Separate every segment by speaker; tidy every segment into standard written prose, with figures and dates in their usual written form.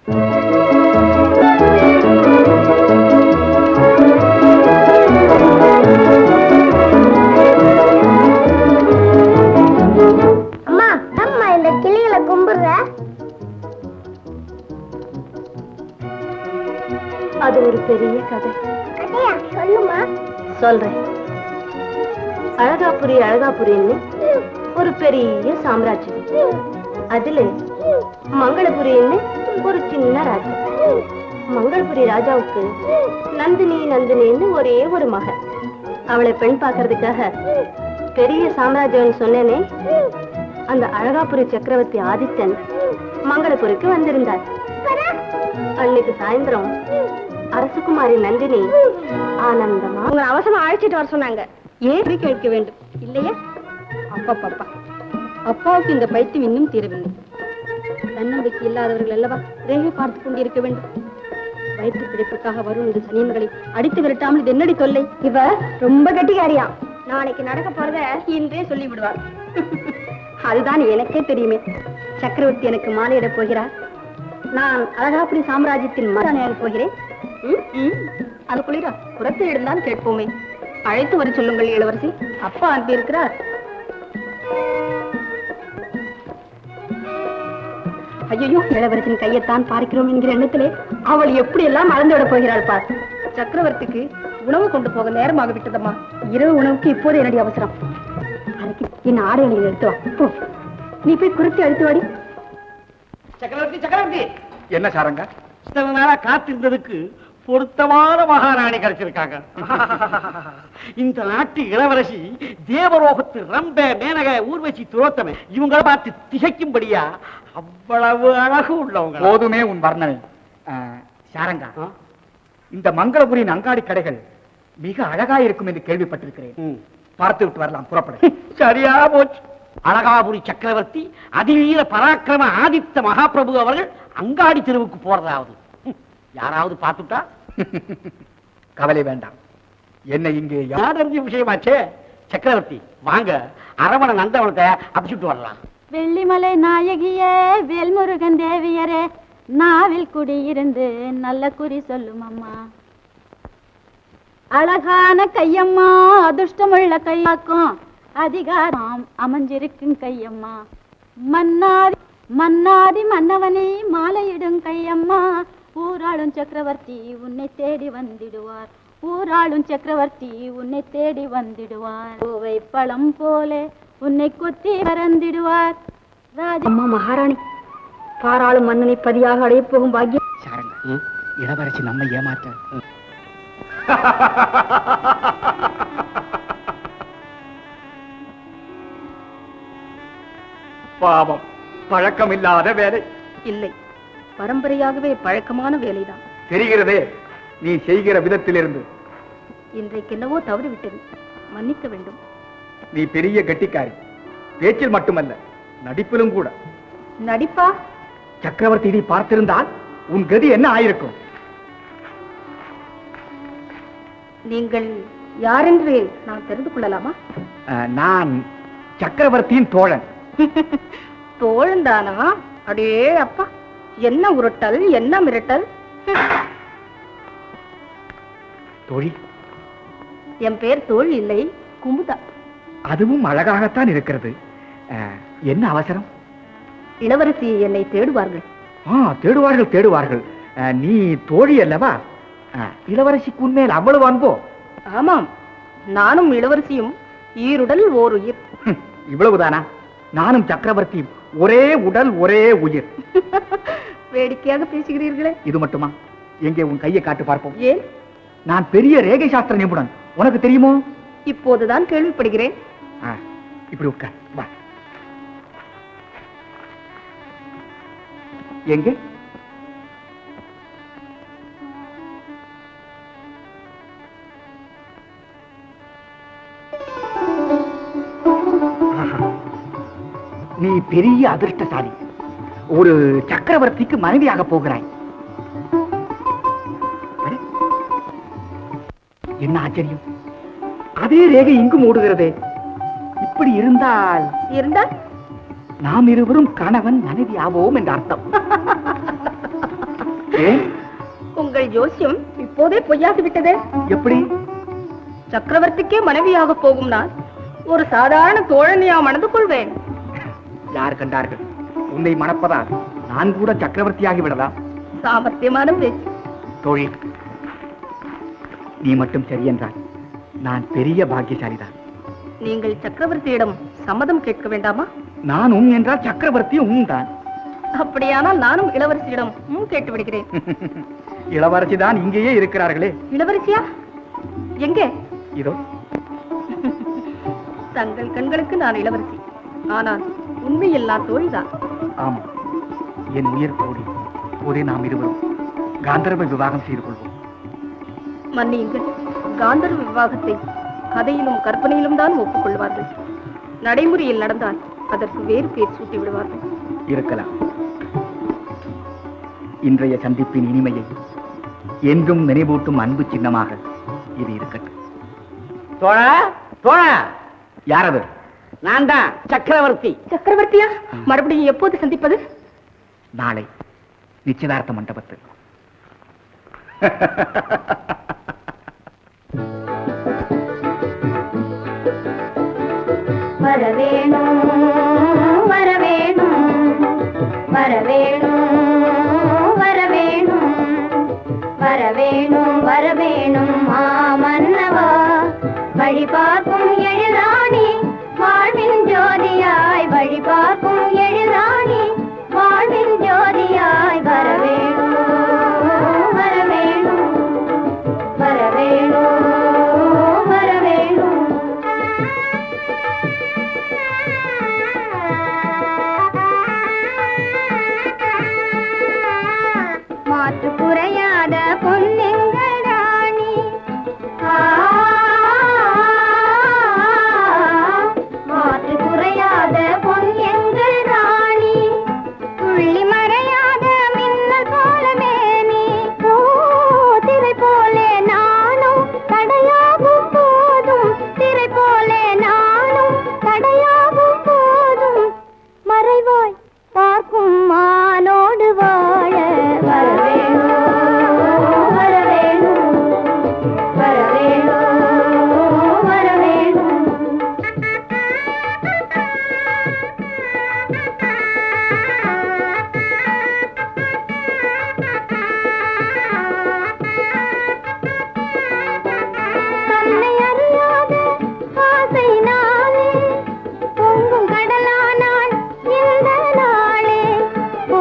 Speaker 1: அம்மா அம்மா இந்த கிளிகளை கும்பிடுற.
Speaker 2: அது ஒரு பெரிய கதை.
Speaker 1: கதையா சொல்லுமா?
Speaker 2: சொல்றேன். அழகாபுரின்னு ஒரு பெரிய சாம்ராஜ்யம். அதுல மங்களபுரின்னு ஒரு சின்ன ராஜ்யம். மங்களபுரி ராஜாவுக்கு நந்தினின்னு ஒரே ஒரு மகன். அவளை பெண் பார்க்கறதுக்காக பெரிய சாம்ராஜ்யம் சொன்னேனே, அந்த அழகாபுரி சக்கரவர்த்தி ஆதித்தன் மங்களபுரிக்கு வந்திருந்தார். அன்னைக்கு சாயந்தரம் அரசகுமாரி நந்தினி ஆனந்தமா உங்களை அவசரமா அழைச்சிட்டு வர சொன்னாங்க. ஏறி கேட்க வேண்டும் இல்லையா? அப்பா அப்பாவுக்கு இந்த பைத்தியம் இன்னும் தீரவில்லை. தன்னம்பிக்கை இல்லாதவர்கள் அல்லவா ரேகை பார்த்து கொண்டிருக்க வேண்டும். வயிற்று பிடிப்புக்காக வரும் இந்த சனியன்களை அடித்து விரட்டாமல் இது என்னடி தொல்லை? இவ ரொம்ப கட்டிக்காரியா. நாளைக்கு நடக்க போறத இன்றே சொல்லி விடுவார். அதுதான் எனக்கே தெரியுமே. சக்கரவர்த்தி எனக்கு மாலையிட போகிறார். நான் அழகாபுரி சாம்ராஜ்யத்தின் மகாராணியாக போகிறேன். அது குளிரா புறத்து இடம்தான் கேட்போமே. அழைத்து வர சொல்லுங்கள் இளவரசி. அப்பா அனுப்பி இருக்கிறார். ஐயோ, இளவரசின் கையைத்தான் பார்க்கிறோம் என்கிற எண்ணத்திலே அவள் எப்படி எல்லாம் மறந்து விட போகிறாள் பார். சக்கரவர்த்திக்கு உணவு கொண்டு போக நேரமாக விட்டதம்மா. இரவு உணவுக்கு இப்போது என்னடி அவசரம்? அதுக்கு என் ஆடைகளை எடுத்து வா. நீ போய் குறித்து அழுத்து வாடி.
Speaker 3: சக்கரவர்த்தி என்ன சாரங்க? இத்தனை நாளா காத்திருந்ததுக்கு பொருத்தமான மகாராணி கிடைச்சிருக்காங்க. இந்த நாட்டு இளவரசி தேவரோகத்து ரம்ப மேனக ஊர்வசி துரோத்தமை இவங்களை பார்த்து திகைக்கும்படியா அவ்வளவு அழகு உள்ளவங்க.
Speaker 4: போதுமே உன் வர்ணனை. சாரங்கா, இந்த மங்களபுரியின் அங்காடி கடைகள் மிக அழகா இருக்கும் என்று கேள்விப்பட்டிருக்கிறேன். பார்த்து விட்டு வரலாம், புறப்பட.
Speaker 3: சரியா போச்சு. அழகாபுரி சக்கரவர்த்தி அதிவீர பராக்கிரம ஆதித்த மகாபிரபு அவர்கள் அங்காடி தெருவுக்கு போறதாவது யாராவது பார்த்துட்டா?
Speaker 4: கவலை வேண்டாம், என்ன இங்கே
Speaker 3: யாரறிஞ்ச விஷயமாச்சே. சக்கரவர்த்தி வாங்க, அரவண நந்தவனத்தை அபிச்சுட்டு வரலாம்.
Speaker 2: வெள்ளிமலை நாயகியே, வேல்முருகன் தேவியரே, நாவில் குடியிருந்து நல்ல குறி சொல்லும் அம்மா. அழகான கையம்மா, அதிர்ஷ்டமுள்ள கையாக்கும் அதிகாரம் அமைஞ்சிருக்கும் கையம்மா. மன்னாதி மன்னவனே மாலையிடும் கையம்மா. ஊராளும் சக்கரவர்த்தி உன்னை தேடி வந்திடுவார். ஊராளும் சக்கரவர்த்தி உன்னை தேடி வந்திடுவார். பூவை பழம் போல உன்னை கொத்தி பறந்திடுவார். ராஜம்மா மகாராணி, பாராளும் மன்னனை பதியாக அடைய போகும் பாக்கியம்.
Speaker 4: சாரங்க, இளவரசி நம்மை ஏமாற்ற. பாவம், பழக்கம் இல்லாத வேலை.
Speaker 2: இல்லை, பரம்பரையாகவே பழக்கமான வேலைதான்.
Speaker 4: தெரிகிறதே நீ செய்கிற விதத்திலிருந்து.
Speaker 2: இன்றைக்கு என்னவோ தவறிவிட்டது, மன்னிக்க வேண்டும்.
Speaker 4: நீ பெரிய கெட்டிக்காரி, பேச்சில் மட்டுமல்ல நடிப்பிலும் கூட.
Speaker 2: நடிப்பா?
Speaker 4: சக்கரவர்த்தி இதை பார்த்திருந்தால் உன் கதி என்ன ஆயிருக்கும்?
Speaker 2: நீங்கள் யாரென்று நான் தெரிந்து கொள்ளலாமா?
Speaker 4: நான் சக்கரவர்த்தியின் தோழன்.
Speaker 2: தோழன் தானா? அடே அப்பா, என்ன உருட்டல், என்ன மிரட்டல்.
Speaker 4: தோழி,
Speaker 2: என் பேர் தோள் இல்லை, குமுதா.
Speaker 4: அதுவும் அழகாகத்தான் இருக்கிறது. என்ன அவசரம்?
Speaker 2: இளவரசி என்னை தேடுவார்கள்.
Speaker 4: தேடுவார்கள் தேடுவார்கள். நீ தோழி அல்லவா? இளவரசிக்கு உண்மையில் அவ்வளவு அன்போ?
Speaker 2: ஆமாம், நானும் இளவரசியும் ஈருடல் ஓர் உயிர்.
Speaker 4: இவ்வளவுதானா? நானும் சக்கரவர்த்தியும் ஒரே உடல் ஒரே உயிர்.
Speaker 2: வேடிக்கையாக பேசுகிறீர்களே.
Speaker 4: இது மட்டுமா? எங்கே உன் கையை காட்டு பார்ப்போம்.
Speaker 2: ஏன்?
Speaker 4: நான் பெரிய ரேகை சாஸ்திர நிபுணன், உனக்கு தெரியுமோ?
Speaker 2: இப்போதுதான் கேள்விப்படுகிறேன்.
Speaker 4: இப்படி உட்கார், வா. எங்கே? நீ பெரிய அதிர்ஷ்டசாலி. ஒரு சக்கரவர்த்திக்கு மனைவியாக போகிறாய். என்ன ஆச்சரியம், அதே ரேகை இங்கும் ஓடுகிறதே. இப்படி இருந்தால் நாம் இருவரும் கணவன் மனைவி ஆவோம் என்ற அர்த்தம்.
Speaker 2: உங்கள் ஜோசியம் இப்போதே பொய்யாகி விட்டதே.
Speaker 4: எப்படி?
Speaker 2: சக்கரவர்த்திக்கே மனைவியாக போகும் நான் ஒரு சாதாரண தோழனையா மணந்து கொள்வேன்.
Speaker 4: யார் கண்டார்கள்? உன்னை மணப்பதால் நான் கூட சக்கரவர்த்தியாகி விடலாம்.
Speaker 2: சாமர்த்தியமான பேச்சு.
Speaker 4: தோழி, நீ மட்டும் சரி என்றால் நான் பெரிய பாக்கியசாலிதான்.
Speaker 2: நீங்கள் சக்கரவர்த்தியிடம் சம்மதம் கேட்க வேண்டாமா?
Speaker 4: நானும் என்றால் சக்கரவர்த்தி தான்.
Speaker 2: அப்படியானால் நானும் இளவரசியிடம் கேட்டு விடுகிறேன்.
Speaker 4: இளவரசி தான் இங்கேயே இருக்கிறார்களே.
Speaker 2: இளவரசியா? எங்கே?
Speaker 4: இதோ.
Speaker 2: தங்கள் கண்களுக்கு நான் இளவரசி, ஆனால் உண்மையில் நான் தோழிதான்.
Speaker 4: ஆமா, என் உயிர் தோழி. போதே நாம் இருவரும் காந்தர்வ விவாகம் செய்து கொள்வோம்.
Speaker 2: மன்னியுங்கள், காந்தர்வ விவாகத்தை கதையிலும் கற்பனையிலும் தான் ஒப்புக்கொள்வார்கள். நடைமுறையில் நடந்தால் அதற்கு வேறு பேர் சூட்டி விடுவார்கள்.
Speaker 4: இருக்கலாம். இன்றைய சந்திப்பின் இனிமையை என்றும் நினைவூட்டும் அன்பு சின்னமாக இது இருக்கட்டும்.
Speaker 3: தோழா, தோழா,
Speaker 4: யார் அது?
Speaker 3: நான் தான் சக்கரவர்த்தி.
Speaker 2: சக்கரவர்த்தியா? மறுபடியும் எப்போது சந்திப்பது?
Speaker 4: நாளை நிச்சயதார்த்த மண்டபத்தில்.
Speaker 1: வரவேணும் வரவேணும் வரவேணும் வரவேணும் வரவேணும் வரவேணும் மாமன்னவா, வழி பார்க்கும் எழுதாணி வாழ்வின் ஜோதியாய், வழி பார்க்கும் எழுதாணி வாழ்வின் ஜோதியாய், வரவேணும் வரவேணும் வரவேணும் வரவேணும். மாற்று குறையாத பொன்னெங்கள் ராணி, மாற்று குறையாத பொன்னெங்கள் ராணி, துள்ளி மறையாத மின்னல் போலவே நீ, திரை போலே நானும் தடையாகும் போதும், திரை போலே நானும் தடையாகும் போதும், மறைவாய் பார்க்கும் மானோடு வாழ வரவேணும் வரவேணும் வரவேணும் வரவேணும். தன்னை அறியாத ஆசை நானே, பொங்கும் கடலானாள் இந்த நாளே. ஓ,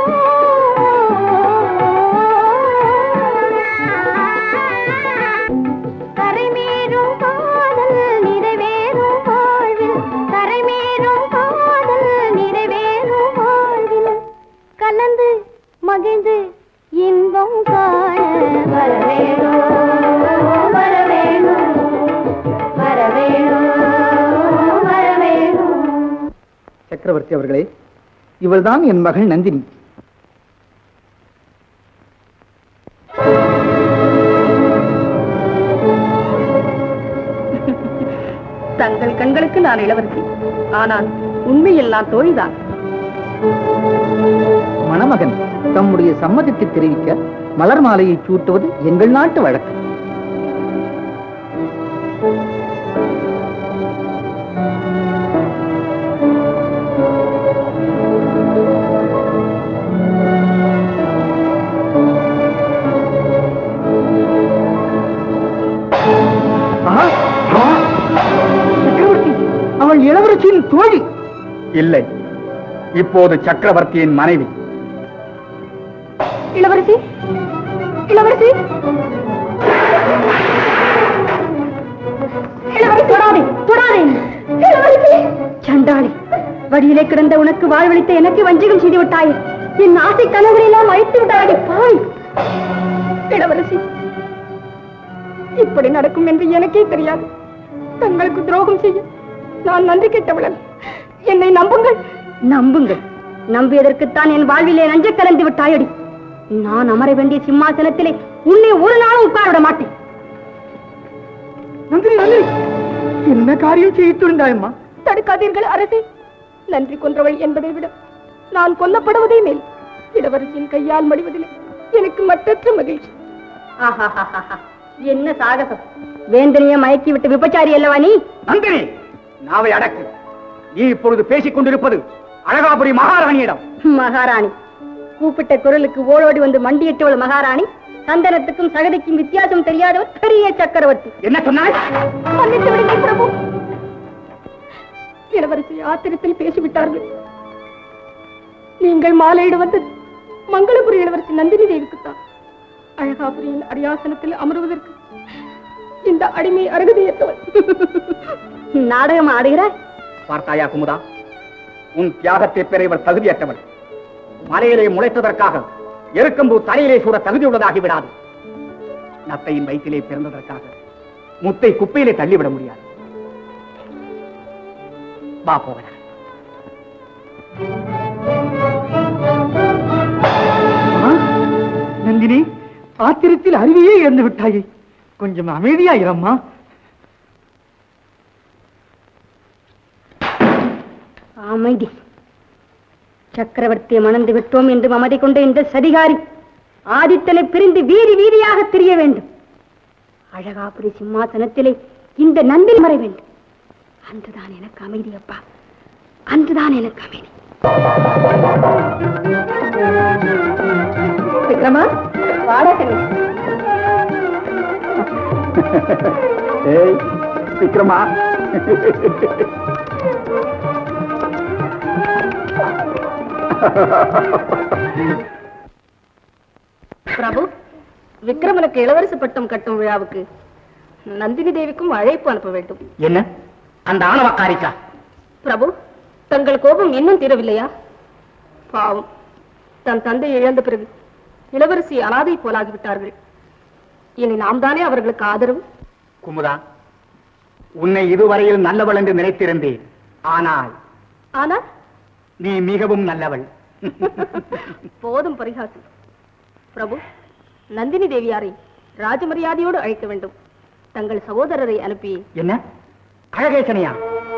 Speaker 1: கரைமேறும் காதல் நிறைவேறும் வாழ்வில், கரைமேறும் காதல் நிறைவேறும் வாழ்வில், கலந்து மகிழ்ந்து இன்பம் காண வரவேணும் வரவேணும் வரவேணும் வரவேணும்.
Speaker 4: சக்கரவர்த்தி அவர்களே, இவள்தான் என் மகள் நந்தினி.
Speaker 2: தங்கள் கண்களுக்கு நான் இளவரசி, ஆனால் உண்மையில் நான் தோழிதான்.
Speaker 4: மணமகன் தம்முடைய சம்மதத்தை தெரிவிக்க மலர் மாலையை சூட்டுவது எங்கள் நாட்டு வழக்கு. சக்கரவர்த்தி, அவள் இளவரசியின் தோழி. இல்லை, இப்போது சக்கரவர்த்தியின் மனைவி.
Speaker 2: இளவரசி, இளவரசி, இளவரசி, தொடாதே, தொடாதே. இளவரசி, சண்டாளி, வழியிலே கிடந்த உனக்கு வாழ்வழித்த எனக்கு வஞ்சகம் செய்து விட்டாயே. என் ஆசை கனவுகளெல்லாம் அழித்து விட்டாயே பாய். இளவரசி, இப்படி நடக்கும் என்று எனக்கே தெரியாது. தங்களுக்கு துரோகம் செய்ய நான் நன்றி கெட்டவளன். என்னை நம்புங்கள். நம்புங்கள். நம்பியதற்குத்தான் என் வாழ்விலே நஞ்ச கலந்து விட்டாயடி. நான் அமர வேண்டிய சிம்மாசனத்திலே உன்னை ஒரு நாளும் உட்கார விட மாட்டேன்.
Speaker 4: நந்தினி, நந்தினி, என்ன காரியம் செய்துண்டாயம்மா?
Speaker 2: தடுக்காதீர்கள் அரசே. நன்றி கொன்றவள் என்பதை விட நான் கொல்லப்படுவதே மேல். இளவரசியின் கையால் மடிவதிலே எனக்கு மற்றற்ற மகிழ்ச்சி. என்ன சாகசம்! வேந்தனைய மயக்கி விட்டு விபச்சாரி அல்லவா நீ?
Speaker 4: நந்தினி, நாவை அடக்கு. நீ இப்பொழுது பேசிக் கொண்டிருப்பது அழகாபுரி மகாராணியிடம்.
Speaker 2: மகாராணி கூப்பிட்ட குரலுக்கு ஓடோடி வந்து மண்டியிட்டவள் மகாராணி. சந்தனத்துக்கும் சகதிக்கும் வித்தியாசம் தெரியாதவர் பெரிய சக்கரவர்த்தி.
Speaker 4: என்ன சொன்னாய்?
Speaker 2: மன்னித்து விடுங்கள் பிரபு. இளவரசி ஆத்திரத்தில் பேசிவிட்டார்கள். நீங்கள் மாலையிட வந்து மங்களபுரி இளவரசி நந்தினி தேவிக்குத்தான். அழகாபுரியின் அரியாசனத்தில் அமருவதற்கு இந்த அடிமை அருகதையற்றவள். நாடகம் ஆடுகிறார்.
Speaker 4: பார்த்தாயா குமுதா, உன் தியாகத்தை பெற இவர் தகுதியற்றவள். மலையிலே முளைத்ததற்காக எருக்கம்பூ தலையிலே சூட தகுதியுள்ளதாகி விடாது. நத்தையின் வயிற்றிலே பிறந்ததற்காக முத்தை குப்பையிலே தள்ளிவிட முடியாது. வா போகலாம். நந்தினி, ஆத்திரத்தில் அருவியே இறந்து விட்டாயே. கொஞ்சம் அமைதியாயிரம்மா.
Speaker 2: அமைதி. சக்கரவர்த்தியை மணந்து விட்டோம் என்று மமதை கொண்ட இந்த சதிகாரி ஆதித்தனை பிரிந்து வீதி வீதியாக திரிய வேண்டும். அழகாபுரி சிம்மாசனத்திலே இந்த நந்தினி மறை வேண்டும். அன்றுதான் எனக்கு அமைதி அப்பா, அன்றுதான் எனக்கு அமைதி. விக்ரமா, வாடகை.
Speaker 4: விக்ரமா,
Speaker 2: பிரபு, விக்ரமனுக்கு இளவரசு பட்டம் கட்டும் விழாவுக்கு நந்தினி தேவிக்கும் அழைப்பு அனுப்ப வேண்டும்.
Speaker 4: என்ன அந்த ஆணவக்காரிக்கா?
Speaker 2: பிரபு, தங்கள் கோபம் இன்னும் தீரவில்லையா? பாவம், தன் தந்தை இழந்த பிறகு இளவரசி அனாதை போலாகிவிட்டார்கள். இனி நாம் தானே அவர்களுக்கு ஆதரவு.
Speaker 4: குமுதா, உன்னை இதுவரையில் நல்லவள் என்று நினைத்திருந்தேன். ஆனால்
Speaker 2: ஆனால்
Speaker 4: நீ மிகவும் நல்லவள்.
Speaker 2: போதும் பரிகாசம். பிரபு, நந்தினி தேவியாரை ராஜமரியாதையோடு அழைக்க வேண்டும். தங்கள் சகோதரரை அனுப்பி.
Speaker 4: என்ன அழகேசனையா?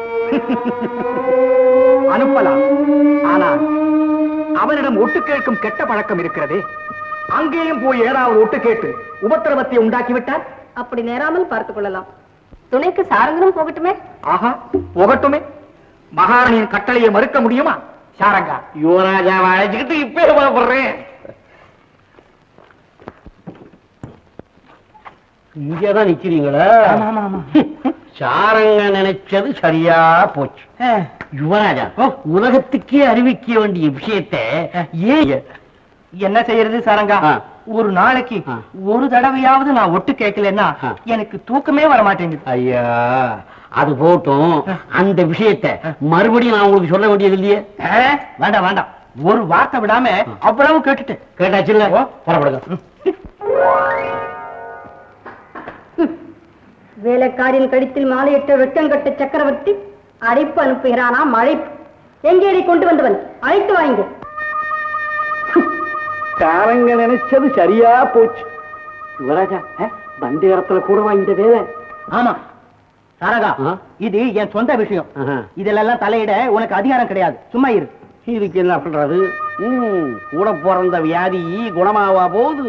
Speaker 4: அனுப்பலாம். ஆனால் அவனிடம் ஒட்டு கேட்கும் கெட்ட பழக்கம் இருக்கிறதே. அங்கேயும் போய் ஏதாவது ஒட்டு கேட்டு உபத்திரவத்தை உண்டாக்கிவிட்டார்.
Speaker 2: அப்படி நேராமல் பார்த்துக் கொள்ளலாம். துணைக்கு சாரங்கனும் போகட்டுமே.
Speaker 4: ஆஹா, போகட்டுமே. மகாராணியின் கட்டளையை மறுக்க முடியுமா? சாரங்கா,
Speaker 3: யுவராஜாவை அழைச்சுக்கிட்டு இப்பே புறப்படுறேன். இங்கதான் நிக்கிறீங்களா? சாரங்க நினைச்சது சரியா போச்சு. யுவராஜா, உலகத்துக்கே அறிவிக்க வேண்டிய விஷயத்தை ஏன்
Speaker 4: என்ன செய்யறது சாரங்கா? ஒரு நாளைக்கு ஒரு தடவையாவது நான் ஒட்டு கேட்கலன்னா எனக்கு தூக்கமே வர மாட்டேங்குது.
Speaker 3: ஐயா, அது போட்டும். அந்த விஷயத்தை மறுபடியும் நான் உங்களுக்கு சொல்ல வேண்டியது இல்லையே.
Speaker 4: வேண்டாம் வேண்டாம், ஒரு வார்த்தை விடாம அவ்வளவு கேட்டுட்டேன்.
Speaker 3: கேட்டாச்சு இல்ல? புறப்படுங்க.
Speaker 2: வேலைக்காரின் கடித்தில் மாலையிட்ட வெட்டங்கட்ட சக்கரவர்த்தி அழைப்பு அனுப்புகிறானா? அழைப்பு எங்கே கொண்டு வந்தவன்? அழைத்து வாங்க.
Speaker 3: சாரங்க நினைச்சது சரியா போச்சு. யுவராஜா, வந்த இடத்துல கூடவா இந்த வேலை?
Speaker 4: ஆமா சாரங்கா, இது என் சொந்த விஷயம். இதெல்லாம் தலையிட உனக்கு அதிகாரம் கிடையாது. சும்மா இரு.
Speaker 3: இதுக்கு என்ன பண்றது? கூட பிறந்த வியாதி குணமாவா போகுது.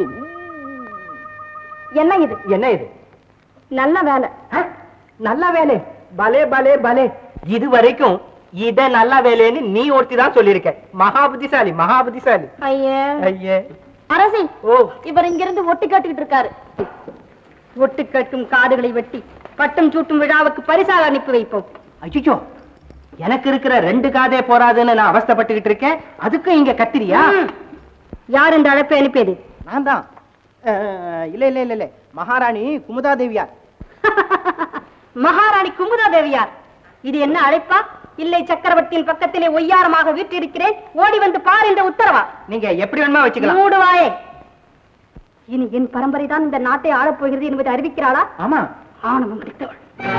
Speaker 2: என்ன இது?
Speaker 4: என்ன இது?
Speaker 2: நல்ல வேலை.
Speaker 4: நல்ல வேலை? பலே பலே பலே. இது வரைக்கும் இத நல்ல வேலைன்னு நீ ஒருத்தி தான் சொல்லியிருக்க. மகா புத்திசாலி, மகா புத்திசாலி. ஐயே
Speaker 2: அரசி,
Speaker 4: ஓ,
Speaker 2: இவர் இங்கிருந்து ஒட்டு கேட்டுக்கிட்டு இருக்காரு. ஒட்டு கட்டும் காதுகளை வெட்டி பட்டம் சூட்டும் விழாவுக்கு பரிசாக அனுப்பி வைப்போம்.
Speaker 4: அச்சோ, எனக்கு இருக்கிற 2 காதே போராதுன்னு நான் அவஸ்தைப்பட்டுக்கிட்டு இருக்கேன். அதுக்கும் இங்க கத்திரியா?
Speaker 2: யார் இந்த அழைப்பை அனுப்பியது?
Speaker 4: நான் தான். இல்ல இல்ல இல்ல இல்ல, மகாராணி குமுதா தேவியார்.
Speaker 2: மகாராணி குமுதா தேவியார். இது என்ன அழைப்பா? இல்லை, சக்கரவர்த்தியின் பக்கத்திலே ஒய்யாரமாக வீற்றிருக்கிறேன், ஓடி வந்து பார் என்ற உத்தரவா?
Speaker 4: நீங்க எப்படி வேணுமா வச்சுக்கலாம்.
Speaker 2: மூடுவாயே. இனி என் பரம்பரை தான் இந்த நாட்டை ஆளப் போகிறது என்பதை அறிவிக்கிறாளா?
Speaker 4: ஆமா,
Speaker 2: ஆணவம் கிடைத்தவள்.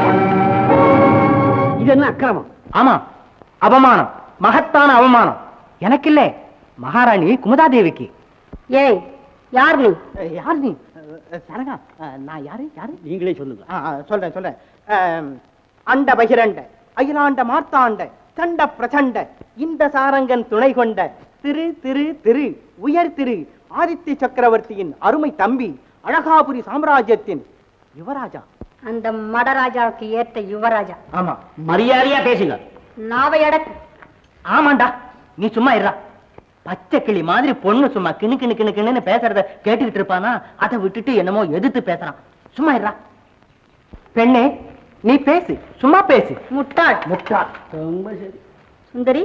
Speaker 3: இது என்ன அக்கிரமம்?
Speaker 4: ஆமா, அவமானம், மகத்தான அவமானம். எனக்கு இல்ல, மகாராணி குமுதா தேவிக்கு.
Speaker 2: ஏய், யார் நீ?
Speaker 4: யார் நீ? சரங்கா, நான் யாரு? யாரு?
Speaker 3: நீங்களே சொல்லுங்க.
Speaker 4: சொல்றேன் சொல்றேன். அண்ட பகிரண்ட அகிலாண்ட மார்த்தாண்ட சண்ட பிரச்சண்ட இந்த சாரங்கன் துணை கொண்ட திரு திரு திரு உயர் திரு
Speaker 5: ஆதித்ய சக்கரவர்த்தியின் அருமை தம்பி, அழகாபுரி சாம்ராஜ்யத்தின் யுவராஜா.
Speaker 2: அந்த மடராஜாவுக்கு ஏற்ற யுவராஜா.
Speaker 3: ஆமா, மரியாதையா பேசுங்க.
Speaker 2: நாவை அடக்கு.
Speaker 5: ஆமாண்டா, நீ சும்மா இருடா. பச்சை கிளி மாதிரி பொண்ணு சும்மா கிணு கிணு கிணு கிணுன்னு பேசுறத கேட்டுக்கிட்டு இருப்பானா, அதை விட்டுட்டு என்னமோ எதிர்த்து பேசுறான். சும்மா இருடா. பெண்ணே, நீ பேசு, சும்மா பேசு.
Speaker 2: முட்டாள்.
Speaker 5: முட்டாள்.
Speaker 3: ரொம்ப சரி.
Speaker 2: சுந்தரி,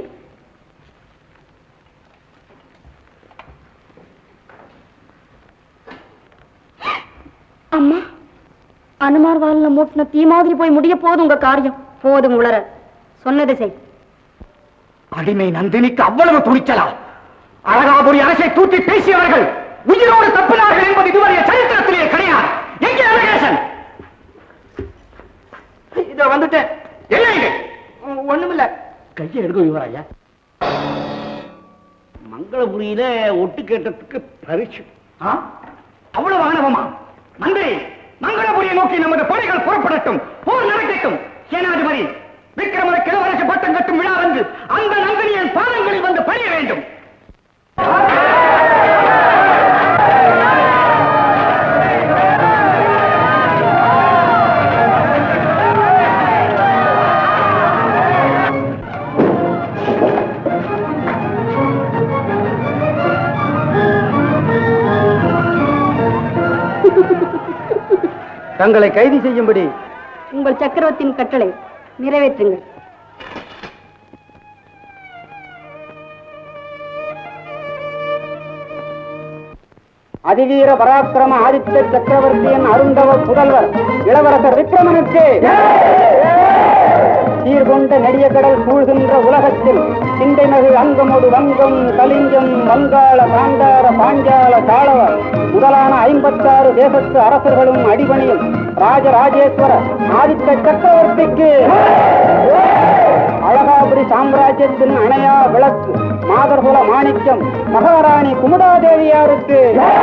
Speaker 2: அம்மா, அனுமார் வாலில் மூட்டின தீ மாதிரி போய் முடிய போதும் உங்க காரியம். போதும் உளற, சொன்னது செய்.
Speaker 4: அடிமை நந்தினிக்கு அவ்வளவு துணிச்சலா? அழகாபுரி அரசை தூக்கி பேசியவர்கள் உயிரோடு தப்பினார்கள் என்பது இதுவரைய சரித்திரத்திலே கிடையாது. எங்கே அழகேசன்?
Speaker 5: இதோ வந்துட்டேன்.
Speaker 4: என்ன இது?
Speaker 5: ஒண்ணுமில்ல.
Speaker 3: கையை எடுக்க யுவராஜா. மங்களபுரியில ஒட்டு கேட்டதுக்கு பரிசு.
Speaker 4: அவ்வளவு ஆணவமா? நன்றி. மங்களபுரியை நோக்கி நமது படைகள் புறப்படட்டும், போர் நடக்கட்டும். சேனாதிபதி விக்ரமர கிழவரசு பட்டம் கட்டும் விழா வந்து அந்த நந்தினியின் பாதங்களில் வந்து பணிய வேண்டும்.
Speaker 5: தங்களை கைது செய்யும்படி
Speaker 2: உங்கள் சக்கரவர்த்தியின் கட்டளை நிறைவேற்றுங்கள்.
Speaker 5: அதிவீர பராக்கிரம ஆதித்ய சக்கரவர்த்தியின் அருந்தவ புதல்வர் இளவரசர் விக்ரமனுக்கு சீர்கொண்ட நெடிய கடல் சூழ்கின்ற உலகத்தில் சிந்தைமகு அங்கமொடு வங்கம், கலிங்கம், வங்காள, காந்தார, பாஞ்சால, தாளவ முதலான 56 தேசத்து அரசர்களும் அடிபணியும் ராஜராஜேஸ்வர ஆதித்ய சக்கரவர்த்திக்கு அழகாபுரி சாம்ராஜ்யத்தின் அணையா விளக்கு மாதர்குல மாணிக்கம் மகாராணி குமுதாதேவியாருக்கு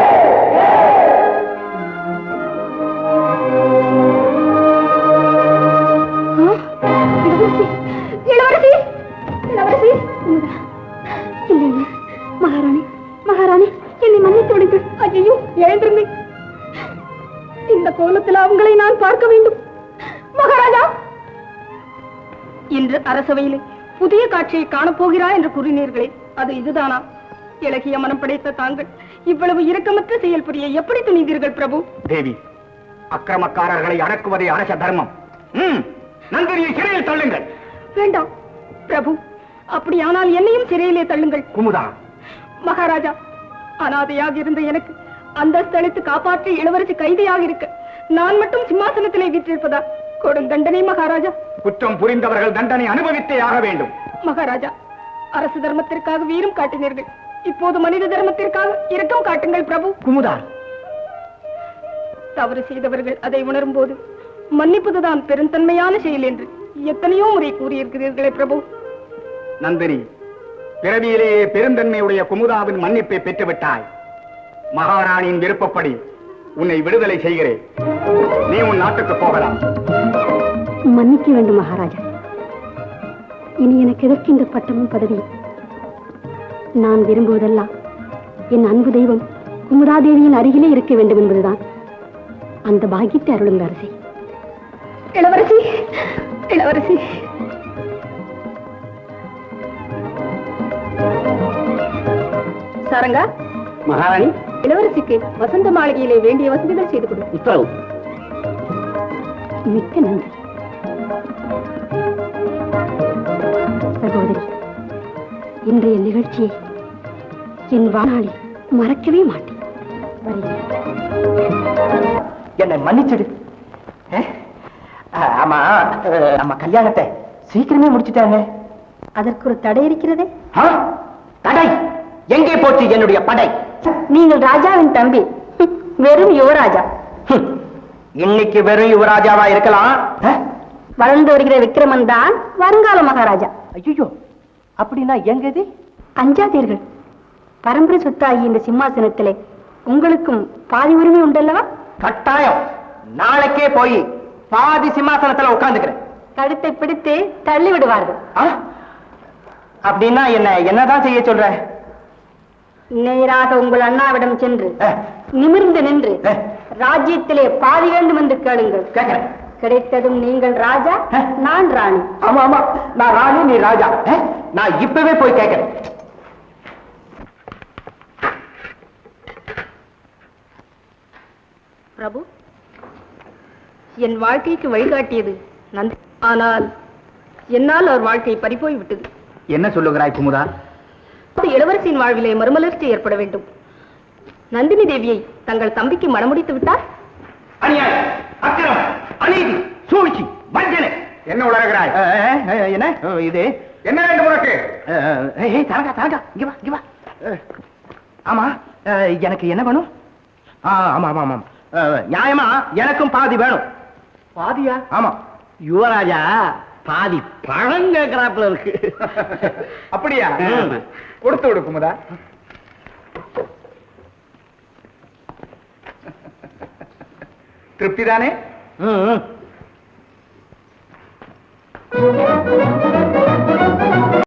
Speaker 2: இளவரசி, இளவரசி. மகாராணி, மகாராணி, என்னை மன்னித்து விடுங்கள். ஐயோ, எழுந்திருங்கள். இந்த கோலத்தில் அவங்களை நான் பார்க்க வேண்டும். மகாராஜா, இன்று அரசவையிலே புதிய காட்சியை காணப்போகிறா என்று கூறினீர்களே, அது இதுதானா? இலக்கிய மனம் படைத்த தாங்கள் இவ்வளவு இரக்கமற்ற செயல் புரிய எப்படி துணிந்தீர்கள் பிரபு?
Speaker 4: தேவி, அக்கிரமக்காரர்களை அடக்குவதே அரச தர்மம். நந்தினியை சிறையில் தள்ளுங்கள்.
Speaker 2: வேண்டாம் பிரபு, அப்படியானால் என்னையும் சிறையிலே தள்ளுங்கள்.
Speaker 4: குமுதா.
Speaker 2: மகாராஜா, அனாதையாக இருந்த எனக்கு அந்த ஸ்தலத்து காப்பாற்றி இளவரசி கைதியாக இருக்க நான் மட்டும் சிம்மாசனத்திலே வீற்றிருப்பதா? கொடுந்தண்டனை மகாராஜா.
Speaker 4: குற்றம் புரிந்தவர்கள் தண்டனை அனுபவித்தே ஆக வேண்டும்.
Speaker 2: மகாராஜா, அரசு தர்மத்திற்காக வீரம் காட்டினீர்கள், இப்போது மனித தர்மத்திற்காக இரக்கம் காட்டுங்கள் பிரபு.
Speaker 4: குமுதா,
Speaker 2: தவறு செய்தவர்கள் அதை உணரும் போது மன்னிப்பதுதான் பெருந்தன்மையான செயல் என்று எத்தனையோ முறை கூறியிருக்கிறீர்களே பிரபு.
Speaker 4: நந்தினி, பிறவியிலேயே பெருந்தன்மையுடைய குமுதாவின் மன்னிப்பை பெற்றுவிட்டாய். மகாராணியின் விருப்பப்படி உன்னை விடுதலை செய்கிறேன். நீ உன் நாட்டுக்கு போகலாம்.
Speaker 2: மன்னிக்க வேண்டும் மகாராஜா. இனி எனக்கு எதற்கு இந்த பட்டமும் பதவியும்? நான் விரும்புவதெல்லாம் என் அன்பு தெய்வம் குமுதாதேவியின் அருகிலே இருக்க வேண்டும் என்பதுதான். அந்த பாக்கியத்தை அருளுங்க அரசே. இளவரசி, இளவரசி. சாரங்கா.
Speaker 3: மகாராணி,
Speaker 2: இளவரசிக்கு வசந்த மாளிகையிலே வேண்டிய வசதிகள் செய்து கொடு.
Speaker 3: உத்தரவு.
Speaker 2: மிக்க நன்றி சகோதரி. இன்றைய நிகழ்ச்சியை என் வாழ்நாளில் மறக்கவே மாட்டேன்.
Speaker 5: என்னை மன்னிச்சிடு. ஆமா, நம்ம கல்யாணத்தை சீக்கிரமே முடிச்சுட்டாங்க.
Speaker 2: அதற்கு ஒரு தடை இருக்கிறதே.
Speaker 5: தடை? எங்கே போச்சு என்னுடைய படை?
Speaker 2: நீங்கள் ராஜாவின் தம்பி, வெறும் யுவராஜா.
Speaker 5: இன்னைக்கு வெறும் யுவராஜாவா இருக்கலாம்.
Speaker 2: வளர்ந்து வருகிற விக்ரமன் தான் வருங்கால மகாராஜா.
Speaker 5: ஐயோ, அப்படின்னா எங்கது?
Speaker 2: அஞ்சாதீர்கள். பரம்பரை சொத்தாகிய இந்த சிம்மாசனத்திலே உங்களுக்கும் பாதி உரிமை உண்டல்லவா?
Speaker 5: கட்டாயம். நாளைக்கே போய் பாதி சிம்மாசனத்துல உட்கார்ந்துக்கிறேன்.
Speaker 2: கழுத்தை பிடித்து தள்ளி விடுவார்கள்.
Speaker 5: அப்படின்னா என்னதான் செய்ய சொல்ற?
Speaker 2: நேராக உங்கள் அண்ணாவிடம் சென்று நிமிர்ந்து நின்று ராஜ்யத்திலே பாதி வேண்டும் என்று கேளுங்கள்.
Speaker 4: கேட்கிறேன்.
Speaker 2: கிடைத்ததும் நீங்கள் ராஜா, நான் ராணி.
Speaker 4: ஆமா ஆமா, நான் ராணி, நீ ராஜா. நான் இப்பவே போய் கேட்கிறேன்.
Speaker 2: பிரபு, என் வாழ்க்கைக்கு வழிகாட்டியது நந்தி. ஆனால் என்னால் அவர் வாழ்க்கை பறிபோய் விட்டது.
Speaker 4: என்ன சொல்லுகிறாய் குமுதா?
Speaker 2: இளவரசியின் வாழ்விலே மறுமலர்ச்சி ஏற்பட வேண்டும். நந்தினி தேவியை தங்கள் தம்பிக்கு மணமுடித்து விட்டார்.
Speaker 4: அநியாயம், அக்கிரமம், அநீதி, சூழ்ச்சி, வஞ்சனை. என்ன உளறுகிறாய்? என்ன இது? என்ன வேண்டும் உனக்கு? தரங்கா தரங்கா, இங்க வா இங்க வா. ஆமா, எனக்கு என்ன வேணும்? ஆமா ஆமா ஆமா, நியாயமா எனக்கும் பாதி வேணும்.
Speaker 3: பாதியா?
Speaker 4: ஆமா.
Speaker 3: யுவராஜா பாதி பழம் கேட்கிறாப்புல இருக்கு.
Speaker 4: அப்படியா? கொடுத்து விடு குமுதா. திருப்தி தானே?